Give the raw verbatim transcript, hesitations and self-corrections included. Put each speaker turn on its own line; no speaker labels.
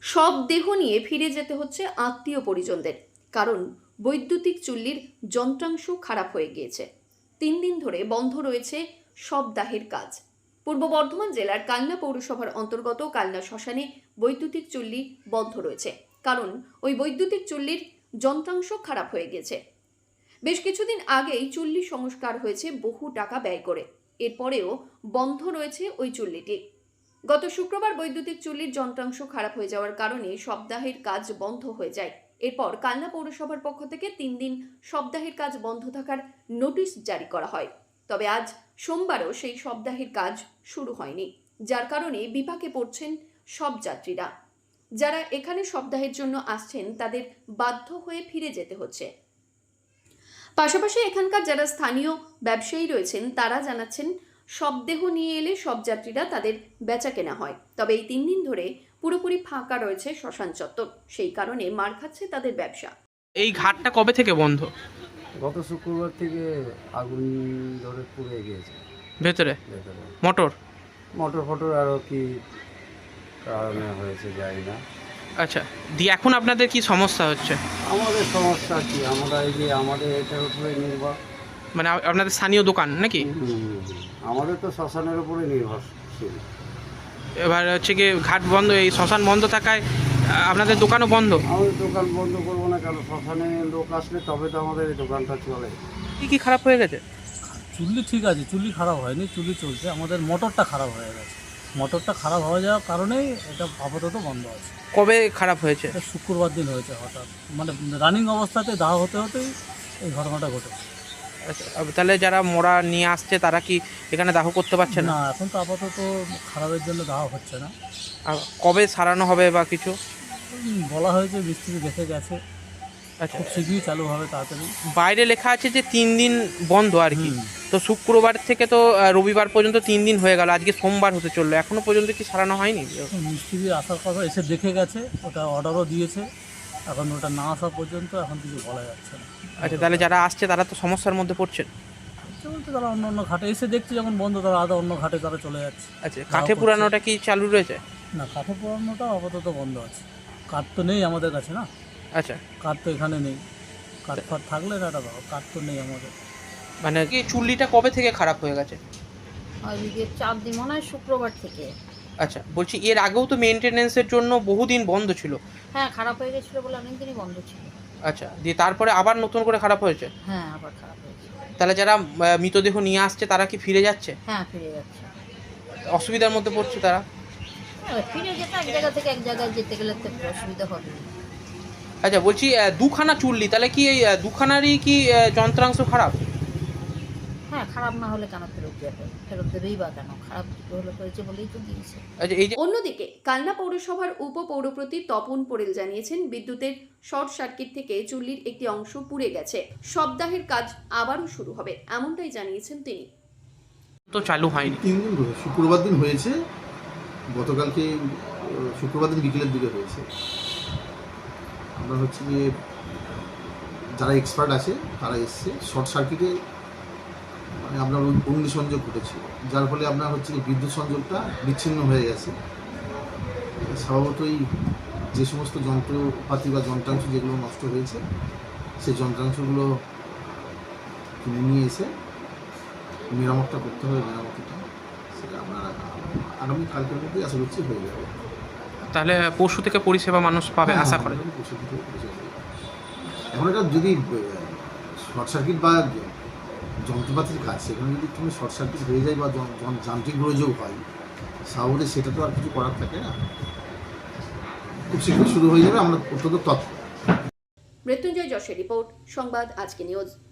সব দেহ নিয়ে ফিরে যেতে হচ্ছে আত্মীয় পরিজনদের, কারণ বৈদ্যুতিক চুল্লির যন্ত্রাংশ খারাপ হয়ে গিয়েছে। তিন দিন ধরে বন্ধ রয়েছে সব দাহের কাজ। পূর্ব বর্ধমান জেলার কালনা পৌরসভার অন্তর্গত কালনা শ্মশানে বৈদ্যুতিক চুল্লি বন্ধ রয়েছে, কারণ ওই বৈদ্যুতিক চুল্লির যন্ত্রাংশ খারাপ হয়ে গেছে। বেশ কিছুদিন আগেই চুল্লি সংস্কার হয়েছে বহু টাকা ব্যয় করে, এরপরেও বন্ধ রয়েছে ওই চুল্লিটি। গত শুক্রবার বৈদ্যুতিক চুল্লির যন্ত্রাংশ খারাপ হয়ে যাওয়ার কারণে সপ্তাহের কাজ বন্ধ হয়ে যায়। এরপর কালনা পৌরসভার পক্ষ থেকে তিন দিন সপ্তাহের কাজ বন্ধ থাকার নোটিশ জারি করা হয়। তবে আজ সোমবারও সেই সপ্তাহের কাজ শুরু হয়নি, যার কারণে বিপাকে পড়ছেন সব যাত্রীরা। যারা এখানে সপ্তাহের জন্য আসছেন তাদের বাধ্য হয়ে ফিরে যেতে হচ্ছে। পাশাপাশি এখানকার যারা স্থানীয় ব্যবসায়ী রয়েছেন তারা জানাচ্ছেন, শবদেহ নিয়ে এলে সব যাত্রীরা তাদের বেচা কেনা হয়, তবে এই তিন দিন ধরে পুরোপুরি ফাঁকা রয়েছে শ্মশান চত্বর, সেই কারণে মার খাচ্ছে তাদের ব্যবসা।
এই ঘাটটা কবে থেকে বন্ধ?
গত শুক্রবার থেকে আগুন ধরে পুড়ে গিয়েছে
ভেতরে
ভেতরে
মোটর
মোটর ফটর আরও কি কারণে হয়েছে জানি না।
আচ্ছা, দিয়ে এখন আপনাদের কি সমস্যা হচ্ছে?
আমাদের সমস্যা কি, আমরা এই যে আমাদের এটার উপরে নির্ভর,
মানে আ- আপনাদের স্থানীয় দোকান নাকি?
হুম, আমাদের তো শ্মশানের উপরে নির্ভরশীল।
এবার হচ্ছে কি ঘাট বন্ধ, এই শ্মশান বন্ধ থাকায় আ, আপনাদের দোকানও বন্ধ।
আমাদের দোকান বন্ধ করবো না, কারণ শ্মশানে লোক আসলে তবে তো আমাদের এই দোকানটা চলে।
কি কি খারাপ হয়ে গেছে?
চুল্লি ঠিক আছে, চুল্লি খারাপ হয়নি, চুল্লি চলছে। আমাদের মোটরটা খারাপ হয়ে গেছে। মোটরটা খারাপ হয়ে যাওয়ার কারণেই এটা আপাতত বন্ধ আছে।
কবে খারাপ হয়েছে?
এটা শুক্রবার দিন হয়েছে হঠাৎ, মানে রানিং অবস্থাতে দাহ হতে হতেই এই ঘটনাটা ঘটেছে।
আচ্ছা, আব- তাহলে যারা মোড়া নিয়ে আসছে তারা কি এখানে দাহ করতে পারছে না?
না, এখন তো আপাতত খারাপের জন্য দাহ হচ্ছে না।
আর কবে সারানো হবে বা কিছু?
উম, বলা হয়েছে মিস্ত্রি দেখে গেছে,
আচ্ছা,
খুব শীঘ্রই চালু হবে তাড়াতাড়ি।
বাইরে লেখা আছে যে তিন দিন বন্ধ আর কি।
হুম।
তো শুক্রবার থেকে তো আ, রবিবার পর্যন্ত তিন দিন হয়ে গেল, আজকে সোমবার হতে চললো, এখনো পর্যন্ত কি সারানো হয়নি?
এখন মিস্ত্রি আসার কথা, এসে দেখে গেছে, ওটা অর্ডারও দিয়েছে। এখন ওটা না আসা পর্যন্ত এখন কিছু বলা যাচ্ছে না।
আচ্ছা, তাহলে যারা আসছে তারা তো সমস্যার মধ্যে পড়ছেন।
হচ্ছে বলতে তারা অন্য অন্য ঘাটে এসে দেখছে যখন বন্ধ, তারা আধা অন্য ঘাটে তারা চলে যাচ্ছে।
আচ্ছা, কাঠে পুরানোটা কি চালু রয়েছে?
না, কাঠে পোড়ানোটা আপাতত বন্ধ আছে। কাঠ তো নেই আমাদের কাছে না,
আচ্ছা,
কাঠ তো এখানে নেই। কাঠ ফাট থাকলে না, এটা ভালো, কাঠ তো নেই আমাদের।
মানে কি চুল্লিটা কবে থেকে খারাপ হয়ে গেছে?
আজকে চার দিন, মনে হয় শুক্রবার থেকে।
আচ্ছা, বলছি এর আগেও তো মেনটেনেন্সের জন্য বহুদিন বন্ধ ছিল।
হ্যাঁ, খারাপ হয়ে গেছিলো বলে অনেকদিনই বন্ধ ছিল।
আচ্ছা, দিয়ে তারপরে আবার নতুন করে খারাপ হয়েছে।
হ্যাঁ, আবার খারাপ হয়েছে।
তাহলে যারা আহ, মৃতদেহ নিয়ে আসছে তারা কি ফিরে যাচ্ছে?
হ্যাঁ, ফিরে যাচ্ছে।
অসুবিধার মধ্যে পড়ছে তারা।
এবার ফিরে যেতে এক জায়গা থেকে এক জায়গায় যেতে গেলে তো একটু অসুবিধা হবে।
আচ্ছা, বলছি আহ, দুখানা চুল্লি, তাহলে কি এই আহ, দুখানারই কি আহ, যন্ত্রাংশ খারাপ?
হ্যাঁ, খারাপ না হলে কেন ফেরত যাবে? ফেরত দেবেই বা কেন? খারাপ হলে হয়েছে বলেই তো দিয়েছে।
আচ্ছা, এই যে
অন্যদিকে কালনা পৌরসভার উপপৌরপ্রতি তপন পোড়েল জানিয়েছেন, বিদ্যুতের শর্ট সার্কিট থেকে চুল্লির একটি অংশ পুড়ে গেছে, সপ্তাহের কাজ আবারও শুরু হবে, এমনটাই জানিয়েছেন তিনি।
তো চালু হয়নি।
তিন দিন ধরে শুক্রবার দিন হয়েছে, গতকালকে আহ, শুক্রবার দিন বিকেলের দিকে হয়েছে। আমরা হচ্ছে গিয়ে যারা এক্সপার্ট আছে তারা এসছে, শর্ট সার্কিটে মানে আপনার অগ্নি- অগ্নিসংযোগ ঘটেছিল, যার ফলে আপনার হচ্ছে কি বিদ্যুৎ সংযোগটা বিচ্ছিন্ন হয়ে গেছে। স্বভাবতই যে সমস্ত যন্ত্রপাতি বা যন্ত্রাংশ যেগুলো নষ্ট হয়েছে সেই যন্ত্রাংশগুলো কিনে নিয়ে এসে মেরামতটা করতে হবে। মেরামতটা সেটা আমরা আগামী কালকের মধ্যেই আশা করছি হয়ে যাবে।
তাহলে পরশু থেকে পরিষেবা মানুষ পাবে
হ্যাঁ,
আশা করে।
আগামী পরশু থেকে পরিষেবা হবে। এখন এটা যদি শর্ট সার্কিট বা যন্ত্রপাতির কাজ, সেখানে যদি তুমি শর্ট সার্কিট হয়ে যায় বা য- য- যান্ত্রিক গোলযোগ হয়, স্বাভাবিক সেটা তো আর কিছু করার থাকে না। খুব শীঘ্রই শুরু হয়ে যাবে, আমরা অত্যন্ত তৎপর।
মৃত্যুঞ্জয় যশের রিপোর্ট, সংবাদ আজকে নিউজ।